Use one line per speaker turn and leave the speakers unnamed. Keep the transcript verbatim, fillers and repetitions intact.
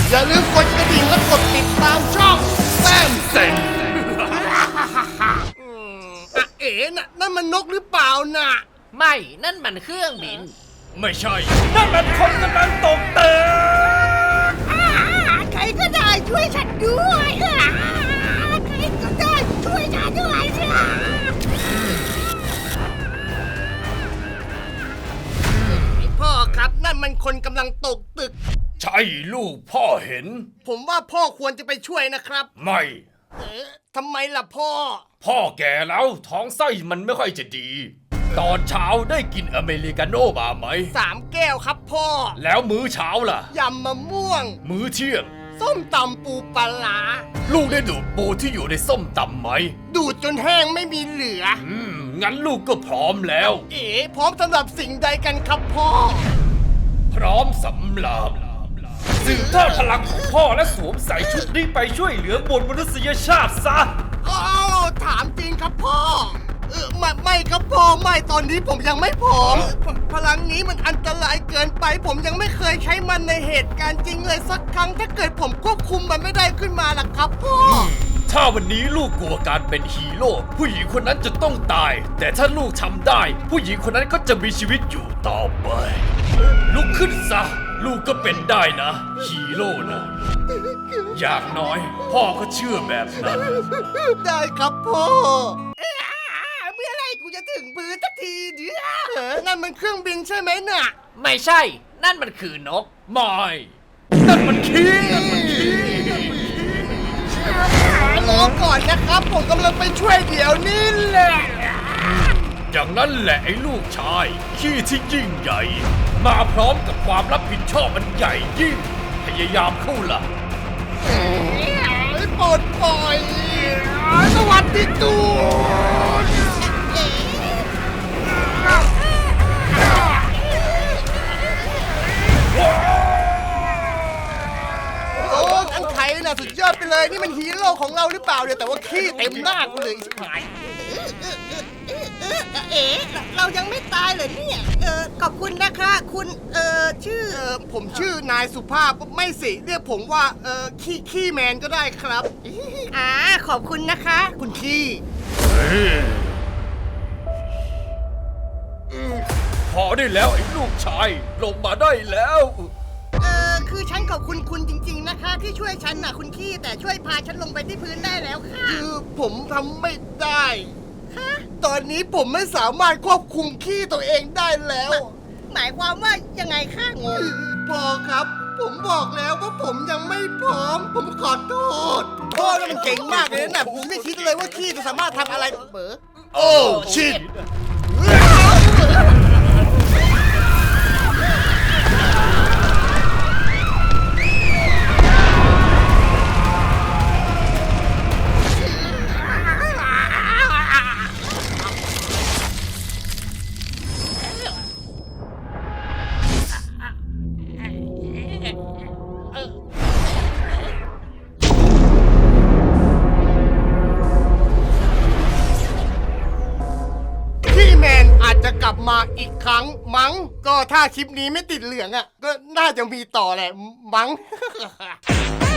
อย่าลืมกดกระดิ่งและกดติดตามช่องแซมเซ็งอ่ะเอ๋น่ะนั่นมันนกหรือเปล่าน่ะ
ไม่นั่นมันเครื่องบิน
ไม่ใช่นั่นมันคนกำลังตกตึก
ใครก็ได้ช่วยฉันด้วยใครก็ได้ช่วยฉันด้วย
พ่อครับนั่นมันคนกำลังตกตึก
ใช่ลูกพ่อเห็น
ผมว่าพ่อควรจะไปช่วยนะครับ
ไม่
เอ๊ะทำไมล่ะพ่อ
พ่อแก่แล้วท้องไส้มันไม่ค่อยจะดีตอนเช้าได้กินอเมริกาโน่มาไหม
สามแก้วครับพ่อ
แล้วมื้อเช้าล่ะ
ยำมะม่วง
มื้อเที่ยง
ส้มตำปูปลา
ลูกได้ดูดปูที่อยู่ในส้มตำไหม
ดูดจนแห้งไม่มีเหลือ
อืมงั้นลูกก็พร้อมแล้ว
เอ๋พร้อมสำหรับสิ่งใดกันครับพ่อ
พร้อมสำหรับสืบทอดพลังของพ่อและสวมใส่ชุดนี้ไปช่วยเหลือมวลมนุษยชาติซะ
อ้าวถามจริงครับพ่อเออไม่ไม่ครับพ่อไม่ตอนนี้ผมยังไม่พร้อมพลังนี้มันอันตรายเกินไปผมยังไม่เคยใช้มันในเหตุการณ์จริงเลยสักครั้งถ้าเกิดผมควบคุมมันไม่ได้ขึ้นมาล่ะครับพ่อ
ถ้าวันนี้ลูกกลัวการเป็นฮีโร่ผู้หญิงคนนั้นจะต้องตายแต่ถ้าลูกทำได้ผู้หญิงคนนั้นก็จะมีชีวิตอยู่ต่อไปลุกขึ้นซะลูกก็เป็นได้นะฮีโร่นะอย่างน้อยพ่อก็เชื่อแบบนั้น
ได้ครับพ่อเมื่อไรกูจะถึงพื้นสักทีเดียวนั่นมันเครื่องบินใช่ไหมน่ะ
ไม่ใช่นั่นมันคือนก
ไม่นั่นมันขี้นั่นมันขี้
รอก่อนนะครับผมกำลังไปช่วยเดี๋ยวนี้แหละ
อย่างนั้นแหละไอ้ลูกชายขี้ที่ยิ่งใหญ่มาพร้อมกับความรับผิดชอบอันใหญ่ยิ่งพยายามเข้าล่ะ
ปลดปล่อยสวัสดีตูนโอ้อันไทยน่ะสุดยอดไปเลยนี่มันฮีโร่ของเราหรือเปล่าเนี่ยแต่ว่าขี้เต็มหน้ากูเลยหาย
เอ๋เรายังไม่ตายเลยเนี่ยเออขอบคุณนะคะคุณเออชื่อ
เออผมชื่อนายสุภาพไม่สิเรียกผมว่าเออขี้ขี้แมนก็ได้ครับ
อ่าขอบคุณนะคะ
คุณขี้
พอได้แล้วไอ้ลูกชายลงมาได้แล้ว
เออคือฉันขอบคุณคุณจริงๆนะคะที่ช่วยฉันน่ะคุณขี้แต่ช่วยพาฉันลงไปที่พื้นได้แล้วค่ะ
คือผมทำไม่ได้ตอนนี้ผมไม่สามารถควบคุมขี้ตัวเองได้แล้ว
หมายความว่ายังไงคะงง
พอครับผมบอกแล้วว่าผมยังไม่พร้อมผมขอโทษพ่อนี่มันเก่งมากเลยนะผมไม่คิดเลยว่าขี้จะสามารถทำอะไรเบอโอ้ชิตจะกลับมาอีกครั้งมั้งก็ถ้าคลิปนี้ไม่ติดเหลืองอ่ะก็น่าจะมีต่อแหละมั้ง